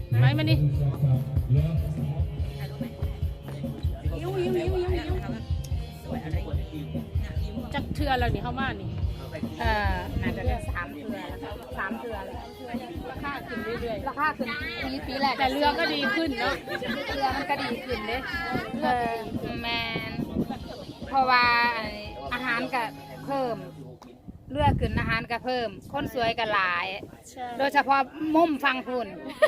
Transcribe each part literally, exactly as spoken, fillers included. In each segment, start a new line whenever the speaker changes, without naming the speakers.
ไหมมานี่จักเทือแล้วนี่เข้ามานี่
เออน่าจะได้สามเทือสามเทือเลย
ราคาขึ้นเรื่อย
ราคาขึ้นปีปีแรก
ๆแต่เรือก็ดีขึ้นเนาะ
เรือมันก็ดีขึ้นเลยเออแมนเพราะว่าอาหารก็เพิ่มเรือขึ้นอาหารก็เพิ่มคนสวยก็หลาย โดยเฉพาะมุมฟังคุณ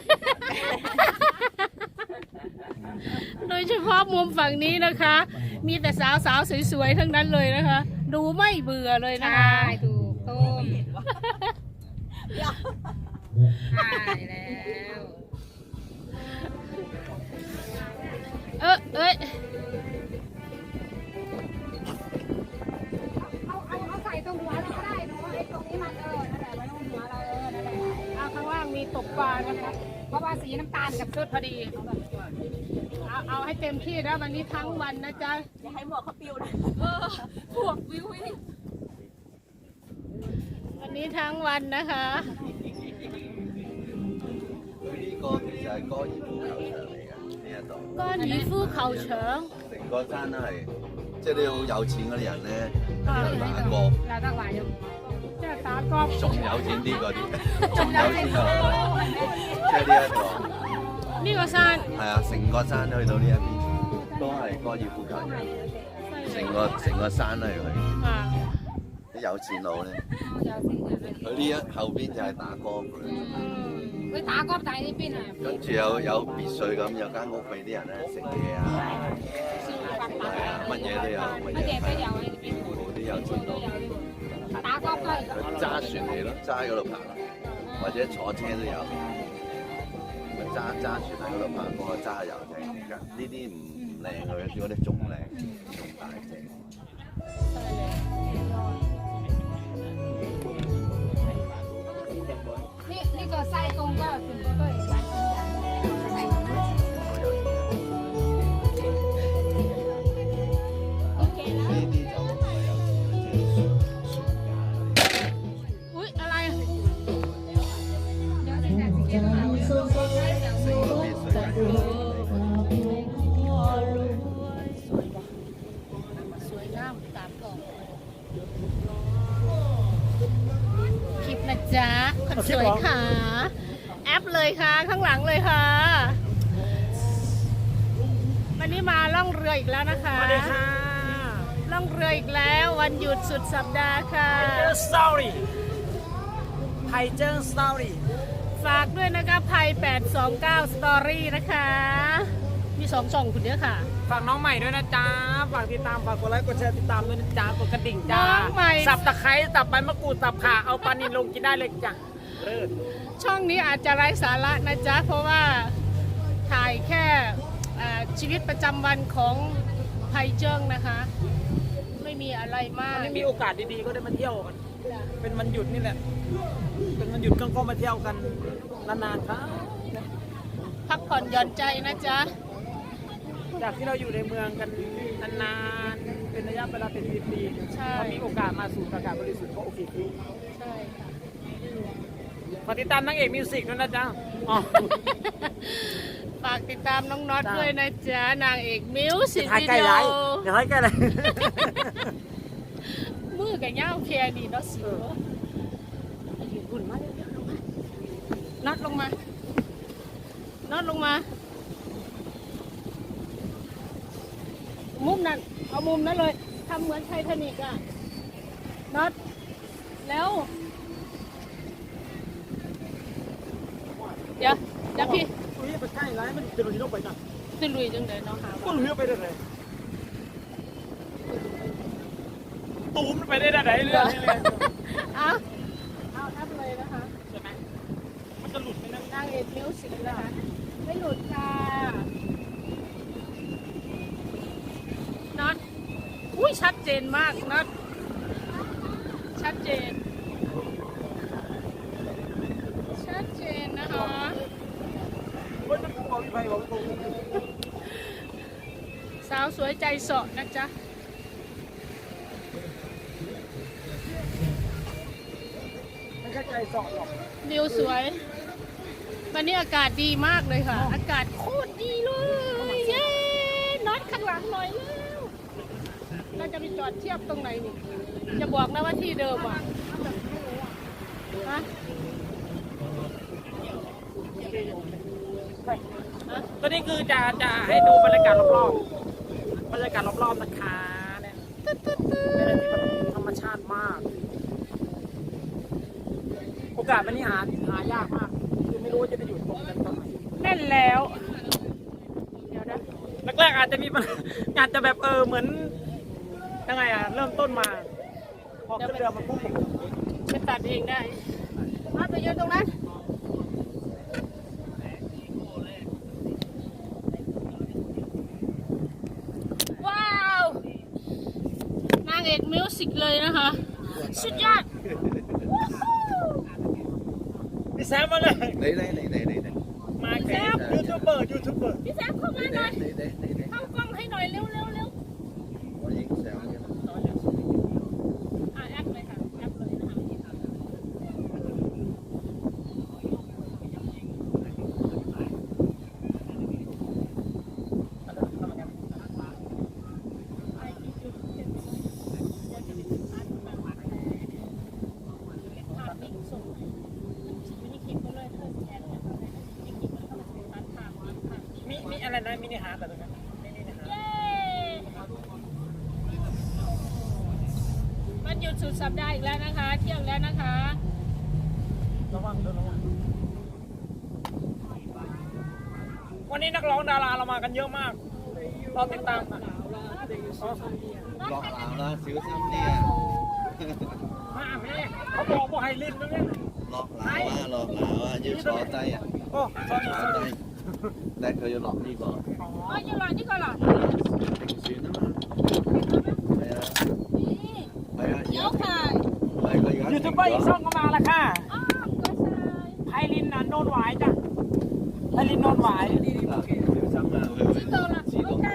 โดยเฉพาะมุมฝั่งนี้นะคะ มีแต่สาวสาวสวยๆทั้งนั้นเลยนะคะ ดูไม่เบื่อเลยนะ
ใช่
คะ
ถูกต้มใช่แล้ว
เออเอ้ย
เอาเอาเอาใส่ตรงหัวเราก็ได้เนาะไอ้ตรงนี้มันเออนั่นแหละไว้ตรงหัวเราเออนั่นแหละ
เอาข้างล่างมีตกปลานะคะ
เพราะว่าสีน้ำตาลกับ
ชุดพอดี เอาเอาให้เต็มที่นะวันนี้ทั้งวันนะจ๊ะ
อย่าให้หมวกเขาปิวนะเออหมวกวิววิว
วันนี้ทั้งวันนะคะ
呢個其實係高爾夫球場嚟嘅，呢一度。
ก้อนหยีฟูเขาเฉิง
成個山都係，即係啲好有錢嗰啲人咧，喺度打歌，
เราต้องไหวอยู่
เจ้าตากอบ
仲有錢啲嗰啲，仲有錢啊！即係呢一個，
นี่ก็ซาน
係啊，成個山去到呢一邊都係高爾夫球場，成個成個山都係佢。
อ่า
啲有錢佬咧，佢呢一後邊就係打歌嘅。
ไป打歌仔呢邊啊，
跟住有有別墅咁，有間屋俾啲人咧食嘢啊，係啊，乜嘢都有，乜嘢
乜嘢都有呢邊，
好啲有錢佬。
打歌都係
佢揸船嚟咯，揸喺嗰度爬咯，或者坐車都有。咪揸揸船喺嗰度爬，嗰個揸遊艇嚟㗎。呢啲唔唔靚嘅，嗰啲仲靚，仲大隻。
นี่นี่ก็ไส้ตรงก็ถึงก็ด้วยร้านกินอย่างใส่ถุงมือโอเคแล้ว
呢啲就唔係有錢嘅，即係船家。
อุ๊ยอะไรอะ
เดี๋ยวจะจัดเก็บเอา
成個啲水
สวยงามตามกล่องคลิปนะจ๊ะคนสวยค่ะ แอปเลยค่ะข้างหลังเลยค่ะ วันนี้มาล่องเรืออีกแล้วนะคะ
สวัสดีค่ะ
ล่องเรืออีกแล้ววันหยุดสุดสัปดาห์ค่ะ
เจอสตอรี่ไทเจอร์สตอรี่
ฝากด้วยนะคะไพแปดสองเก้าสตอรี่นะคะ มีสองช่องคุณเดียวค่ะ
ฝากน้องใหม่ด้วยนะจ๊ะ ฝากติดตาม ฝากกดไลค์ กดแชร์ ติดตามด้วยนะจ๊ะ กดกระดิ่งจ้า
น้องใหม่
สับตะไคร้ สับใบมะกรูด สับข่า เอาปลานิลลงกินได้เลยจ้ะเลิศ
ช่องนี้อาจจะไร้สาระนะจ๊ะ เพราะว่าถ่ายแค่อ่าชีวิตประจำวันของไพเจิ้งนะคะ ไม่มีอะไรมาก
อันนี้มีโอกาสดีๆ ก็ได้มาเที่ยวกัน เป็นวันหยุดนี่แหละ เป็นวันหยุดก็ก็มาเที่ยวกันนานๆครับ
พักผ่อนหย่อนใจนะจ๊ะ
จากที่เราอยู่ในเมืองกันนานๆ เป็นระยะเวลาเป็นปี
ใช่
ๆพอมีโอกาสมาสู่อากาศบริสุทธิ์ก็โอเคคือ
ใช่ค่ะ
ฝากติดตามนางเอกมิวสิกด้วยนะจ๊ะอ๋อ
ฝากติดตามน้องน็อต
จ้า
ด้วยนะจ๊ะ นางเอกมิวสิก
ถ่าย
วิ
ใกล้
ดี
ไร
โอ
เดี๋ยวถ่ายใกล้ไร
มือกับย่าวเพียดีเนาะสิวยืนหุ่นมาเร็วๆลงมาน็อตลงมาน็อตลงมา มุมนั้น เอามุมนั้นเลยทำเหมือนไททานิกอ่ะน็อตแล้ว เดี๋ยวเดี๋ยวพี่
อุ้ยไปใกล้ไรมันจะลุยลงไปจ้ะ
ขึ้นลุยจังเลยน้องหา
ก็
ว่า
ลุยไปได้เลยตูมไปได้ไหนเรื่องนี้เลย
เอาเอาทับเลยนะคะ
ใช่ไหมมันจะหลุดไหมนะ
นางเอกมิวสิกนะคะ ไม่หลุดค่ะน็อตอุ้ยชัดเจนมากน็อตชัดเจน ชัดเจนนะคะ
เฮ้ยมันบอกไปบอกตรง
สาวสวยใจเสาะนะจ๊ะ
ไม่ใช่ใจสอดหรอก
วิวสวยวันนี้อากาศดีมากเลยค่ะ อากาศโคตรดีเลย เย้น็อตข้างหลังหน่อยแล้วเราจะไปจอดเทียบตรงไหนนี่จะบอกนะว่าที่เดิมอ่ะฮะ
ตัวนี้คือจะจะให้ดูบรรยากาศรอบๆบรรยากาศรอบๆนะคะเนี่ยเป็นอะไรที่แบบธรรมชาติมาก โอกาสวันนี้หาหายากมากคือไม่รู้ว่าจะไปอยู่ตรงกันตรงไหน
แน่นแล้ว เดี๋ยวนะ
แรกๆอาจจะมีปัญหาอาจจะแบบเออเหมือนยังไงอ่ะเริ่มต้นมา พอขึ้นเรือมันพุ่ง
ไปตัดเองได้มาไปยืนตรงนั้น ว้าว นางเอกมิวสิกเลยนะคะ สุดยอด
พี่แซมมาเลย
你你你你你你
มาแซมยูทูบเบอร์ยูทูบเบอร์
พี่แซมเข้ามาหน่อย
你你你你，
เข้ากล้องให้หน่อยเร็วเร็วเร็ว
我影相嘅。
อ่ะแอปเลยค่ะแอปเลยนะคะ
มีมีอะไรนะมินิฮาร์ดอะไรนะมินิฮาร์ด
เย้วันหยุดสุดสัปดาห์อีกแล้วนะคะ เที่ยงแล้วนะคะ
ระวังด้วยระวังวันนี้นักร้องดาราเรามากันเยอะมากเราติดตามอ่ะอ๋อ
落樓啦，小心啲啊！
มาแม่เขาบอกว่าให้ลิ้นนะเนี่ย
落樓啊，落樓啊，要坐低啊，
โอ้สอรี่สอ
坐
รี่
低。但係佢要落呢個
อ๋อยังรอนี่ก่อนเหรอ
平船啊嘛。係啊，係啊，
เดี๋ยวค่ะ
係佢而家
ยู
停
ทูบเบอร์อีก
咗
ช่องก็มาแล้วค่ะ
อ้าวกระชาย
ไพลินน่ะโนนหวายจ้ะไพลินโนนหวาย
嗱，小心啊，佢會自動自動嘅。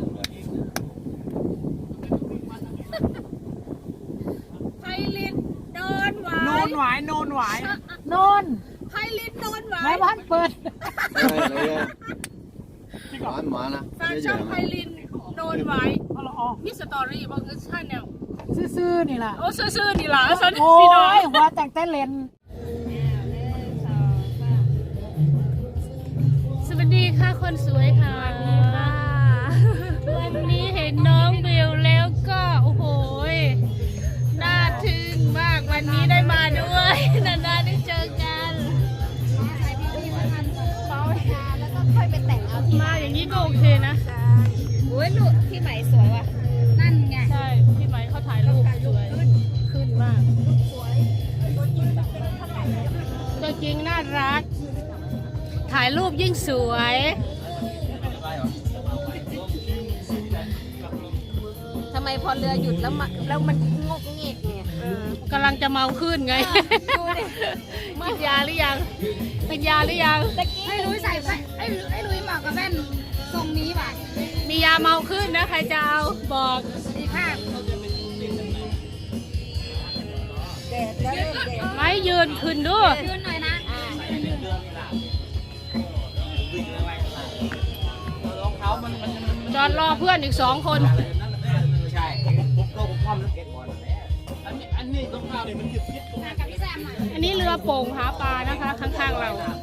ไพลินโดนหวา
โน
ย
นหวายโนนหวาย
โนน
ไพลินโดนหวา
ใน
ย
บ้านเปิด
你啊，玩唔玩啊？
แฟนช่องไพลินโดนหวาย
เอาละอ๋อ
มีสตอรี่บอกใช่แนว
ซื่อๆนี่ล่ะ
โอ้ซื่อๆนี่ล่ะสน
โอ้
พี่น้อง
ยหัวแต่งแต่เลน
สวัสดีค่ะคนสวยค่ะวันนี้เห็นน้องเบลแล้วก็โอ้โหน่าทึ่งมากวันนี้ได้มาด้วยนานๆได้เจอกันมาอย่างนี้ก็โอเคนะ
โอ้ยลูกพี่ไหมสวยว่ะ นั่นไง
ใช่พี่ไหมเขาถ่ายรูปสวยขึ้นมากตัวจริงน่ารัก ถ่ายรูปยิ่งสวย
ทำไมพอเรือหยุดแล้วมาแล้วมันงกเงกเนี่ย
กำลังจะเมาขึ้นไง
ดูดิ
กินยาหรือยังเป็นยาหรือยัง
ให้ลุยใส่ไอ้ให้ลุยเหมาะกับแว่นทรงนี้ว่ะ
มียาเมาขึ้นนะใครจะเอาบอก
ดีภาพ
ไม่ยืนขึ้นด้วย
ยืนหน่อยนะ
จอดรอเพื่อนอีกสองคน
ใช่ผมก็ผมความแล้วเก็ตบอลอันนี้อันนี้ต้องข้าวเนี่ยมันหยุดคิดตรง
กับพี่แซมหน่อย
อันนี้เรือโป่งหาปลานะคะ ข้างๆเรา
นั้น